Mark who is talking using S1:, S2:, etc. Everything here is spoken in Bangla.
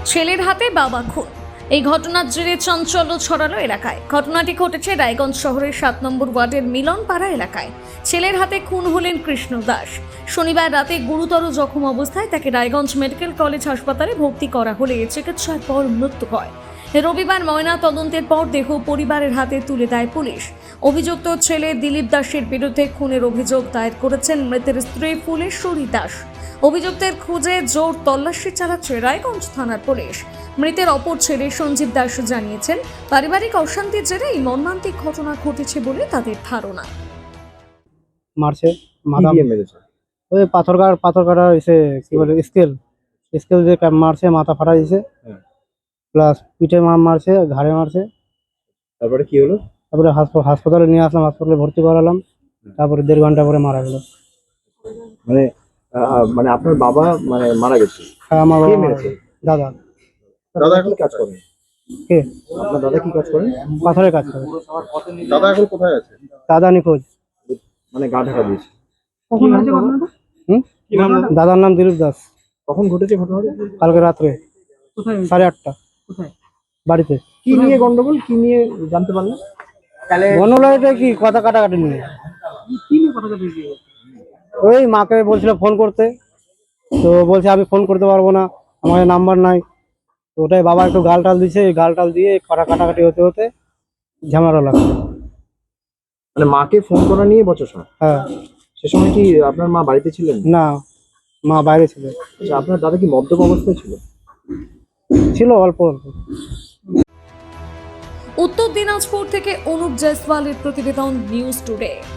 S1: ছেলের হাতে বাবা খুন। এই ঘটনার জেরে চাঞ্চল্য ছড়ালো এলাকায়। ঘটনাটি ঘটেছে রায়গঞ্জ শহরের 7 নম্বর ওয়ার্ডের মিলনপাড়া এলাকায়। ছেলের হাতে খুন হলেন কৃষ্ণ দাস। শনিবার রাতে গুরুতর জখম অবস্থায় তাকে রায়গঞ্জ মেডিকেল কলেজ হাসপাতালে ভর্তি করা হলে চিকিৎসার পর মৃত্যু হয়। রবিবার ময়না তদন্তের পর দেহ পরিবারের হাতে তুলে দেয় পুলিশ। অভিযুক্ত ছেলে দিলীপ দাসের বিরুদ্ধে খুনের অভিযোগ দায়ের করেছেন মৃতের স্ত্রী ফুলেশ্বরী দাস। অভিযুক্তের খুঁজে জোর তল্লাশি চালাচ্ছে রায়গঞ্জ থানার পুলিশ। মৃতের অপর ছেলে সঞ্জীব দাস জানিয়েছেন, পারিবারিক অশান্তির জেরে এই মর্মান্তিক ঘটনা ঘটেছে বলে তাদের ধারণা।
S2: মারছে মাথা
S3: দিয়ে মেরেছে।
S2: ওই পাথর কাটা এসে কি বলে স্কেল দিয়ে মারছে, মাথা ফাটা দিয়েছে,
S3: হ্যাঁ।
S2: প্লাস পিঠে মারছে, ঘাড়ে মারছে।
S3: তারপরে কি হলো?
S2: তারপরে হাসপাতালে নিয়ে আসলাম, হাসপাতালে ভর্তি করালাম। তারপরে 1.5 ঘন্টা পরে মারা গেল।
S3: মানে মানে আপনার বাবা মানে মারা গেছে?
S2: হ্যাঁ, আমার
S3: কে
S2: বাবা
S3: মেরেছে?
S2: দাদা।
S3: দাদা এখন কাজ করেন?
S2: কে?
S3: আপনার দাদা কি কাজ করেন?
S2: পাথরের কাজ করে।
S3: দাদা এখন কোথায় আছে?
S2: দাদা নিখোঁজ।
S3: মানে গা ঢাকা দিয়েছে।
S2: কখন হয়েছে ঘটনাটা? দাদার নাম দিলীপ দাস।
S3: কখন ঘটেছে ঘটনাটা?
S2: কালকে রাত্রে 8:30।
S4: কোথায়?
S2: বাড়িতে।
S3: কি নিয়ে গন্ডগোল, কি নিয়ে জানতে পারলেন?
S2: বনলাইটা কি কথা কাটাকাটি নিয়ে।
S4: কি নিয়ে কথা বলছি?
S2: ওই মাকে বলছিল ফোন করতে, তো বলছে আমি ফোন করতে পারবো না, আমার নাম্বার নাই। তো ওটাই বাবা একটু গালটাল দিছে, গালটাল দিয়ে কাটাকাটি হতে হতে ঝামেলা লাগছে।
S3: মানে মাকে ফোন করা নিয়ে বচসা?
S2: হ্যাঁ।
S3: সে সময় কি আপনার মা বাড়িতে ছিলেন?
S2: না, মা বাইরে ছিল।
S3: আচ্ছা, আপনার দাদা কি মদ্যপ অবস্থায় ছিল?
S2: ছিল অল্প অল্প।
S1: উত্তর দিনাজপুর থেকে অনুপ জয়সওয়ালের প্রতিবেদন, নিউজ টুডে।